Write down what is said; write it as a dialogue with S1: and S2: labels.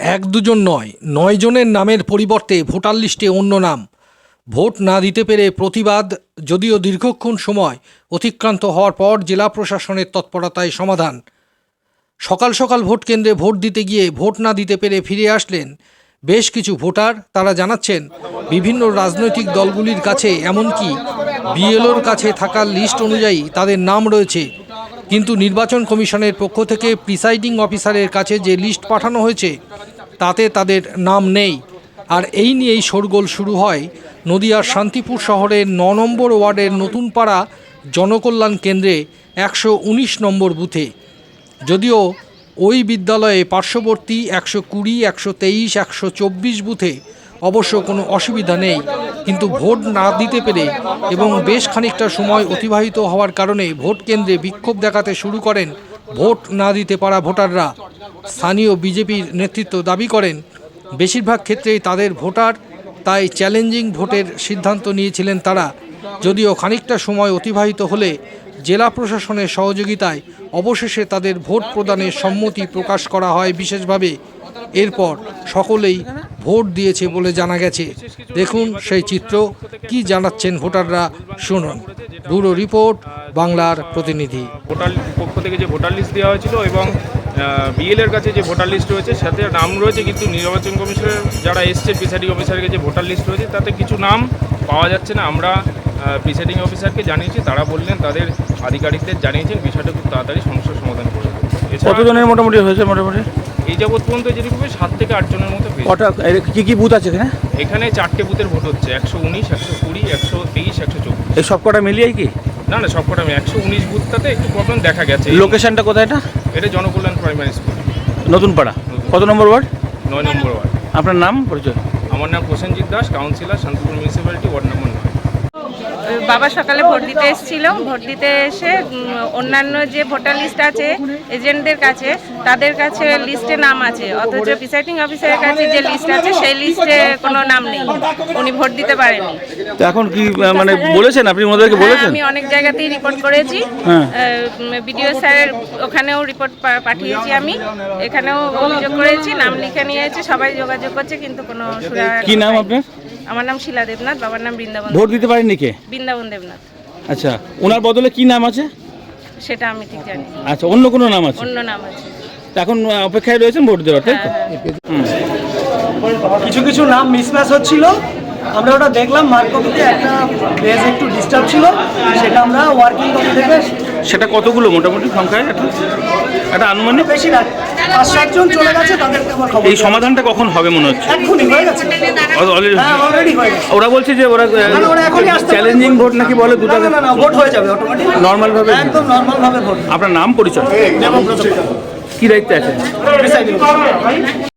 S1: এক দুজন নয়, ৯ জনের নামের পরিবর্তে ভোটার লিস্টে অন্য নাম। ভোট না দিতে পেরে প্রতিবাদ, যদিও দীর্ঘক্ষণ সময় অতিক্রান্ত হওয়ার পর জেলা প্রশাসনের তৎপরতায় সমাধান। সকাল সকাল ভোট কেন্দ্রে ভোট দিতে গিয়ে ভোট না দিতে পেরে ফিরে আসলেন বেশ কিছু ভোটার। তারা জানাচ্ছেন, বিভিন্ন রাজনৈতিক দলগুলির কাছে, এমনকি বিএলওর কাছে থাকা লিস্ট অনুযায়ী তাদের নাম রয়েছে, কিন্তু নির্বাচন কমিশনের পক্ষ থেকে প্রিসাইডিং অফিসারের কাছে যে লিস্ট পাঠানো হয়েছে তাতে তাদের নাম নেই। আর এই নিয়েই শোরগোল শুরু হয় নদিয়ার শান্তিপুর শহরের ৯ নম্বর ওয়ার্ডের নতুনপাড়া জনকল্যাণ কেন্দ্রে ১১৯ নম্বর বুথে। যদিও ওই বিদ্যালয়ে পার্শ্ববর্তী ১২০, ১২৩, ১২৪ বুথে অবশ্য কোনো অসুবিধা নেই, কিন্তু ভোট না দিতে পেরে এবং বেশ খানিকটা সময় অতিবাহিত হওয়ার কারণে ভোট কেন্দ্রে বিক্ষোভ দেখাতে শুরু করেন ভোট না দিতে পারা ভোটাররা। স্থানীয় বিজেপির নেতৃত্ব দাবি করেন, বেশিরভাগ ক্ষেত্রেই তাদের ভোটার, তাই চ্যালেঞ্জিং ভোটের সিদ্ধান্ত নিয়েছিলেন তারা। যদিও খানিকটা সময় অতিবাহিত হলে জেলা প্রশাসনের সহযোগিতায় অবশেষে তাদের ভোট প্রদানের সম্মতি প্রকাশ করা হয় বিশেষভাবে। এরপর সকলেই ভোট দিয়েছে বলে জানা গেছে। দেখুন সেই চিত্র, কি জানাচ্ছেন ভোটাররা, শুনুন। ব্যুরো রিপোর্ট, বাংলার প্রতিনিধি।
S2: ভোটার পক্ষ থেকে যে ভোটার লিস্ট দেওয়া হয়েছিল এবং বিএলের কাছে যে ভোটার লিস্ট রয়েছে সাথে নাম রয়েছে, কিন্তু নির্বাচন কমিশনের যারা এসছে প্রিসাইডিং অফিসারের কাছে ভোটার লিস্ট রয়েছে তাতে কিছু নাম পাওয়া যাচ্ছে না। আমরা প্রিসাইডিং অফিসারকে জানিয়েছি, তারা বললেন তাদের আধিকারিকদের জানিয়েছেন, বিষয়টা খুব তাড়াতাড়ি সমস্যার সমাধান করে দেবে।
S3: কতজনের মোটামুটি হয়েছে? মোটামুটি
S2: এই যাবৎ পর্যন্ত যেরকম ৭ থেকে ৮ জনের মতো হয়েছে।
S3: কটা কি বুথ আছে এখানে?
S2: এখানে ৪টে বুথের ভোট হচ্ছে, ১১৯, ১২০, ১২৩, ১২৪।
S3: এই সব কটা মিলিয়ে কি?
S2: না, সবকটা ১১৯ বুথটাতে একটু প্রবলেম দেখা গেছে।
S3: লোকেশনটা কোথায় এটা?
S2: এটা জনকল্যাণ প্রাইমারি স্কুল,
S3: নতুনপাড়া। কত নম্বর ওয়ার্ড?
S2: ৯ নম্বর ওয়ার্ড।
S3: আপনার নাম, পরিচয়?
S2: আমার নাম Prosenjit Das, councillor, Shantipur municipality, ward number ৯।
S4: বাবা সকালে ভোট দিতে এসেছিল। ভোট দিতে এসে অন্যান্য যে ভোটার লিস্ট আছে এজেন্টদের কাছে, তাদের কাছে লিস্টে নাম আছে, অথচ প্রিসাইডিং অফিসারের কাছে যে লিস্ট আছে সেই লিস্টে কোনো নাম নেই। উনি ভোট দিতে পারেনি।
S3: তো এখন কি মানে বলেছেন আপনি ওনাদেরকে বলেছেন?
S4: আমি অনেক জায়গাতেই রিপোর্ট করেছি, বিডিও স্যারের ওখানেও রিপোর্ট পাঠিয়েছি, আমি এখানেও অভিযোগ করেছি, নাম লিখে নিয়েছি, সবাই যোগাযোগ করছে, কিন্তু কোনো সুরাহা।
S3: কি নাম আপনার?
S4: আমার নাম শিলা দেবনাথ, বাবার নাম বৃন্দাবন।
S3: ভোট দিতে পারেননি কে?
S4: বৃন্দাবন দেবনাথ।
S3: আচ্ছা, ওনার বদলে কি নাম আছে?
S4: সেটা আমি ঠিক জানি।
S3: আচ্ছা, অন্য কোনো নাম আছে?
S4: অন্য নাম আছে।
S3: এখন অপেক্ষায় রয়েছেন ভোট দেওয়ার, তাই তো?
S5: কিছু কিছু নাম মিসম্যাচ হচ্ছিল, আমরা ওটা দেখলাম। মার্ক কপিতে একটা পেজ একটু ডিস্টার্ব ছিল, সেটা আমরা ওয়ার্কিং কপি থেকে।
S3: সেটা কতগুলো মোটামুটি সংখ্যায়? একটা আনুমানিক
S5: বেশি না, ৫-৭ জন চলে গেছে, তাদেরকে আমার খবর।
S3: এই সমাধানটা কখন হবে মনে হচ্ছে?
S5: এক্ষুনি হয়ে গেছে, অলরেডি হয়ে গেছে।
S3: ওরা বলছে যে ওরা
S5: এখনই আসতে
S3: চ্যালেঞ্জিং ভোট নাকি বলে, দুটো
S5: না, ভোট হয়ে যাবে অটোমেটিক,
S3: নর্মাল ভাবে,
S5: একদম নর্মাল ভাবে ভোট।
S3: আপনার নাম, পরিচয়? কি দায়িত্বে আছে?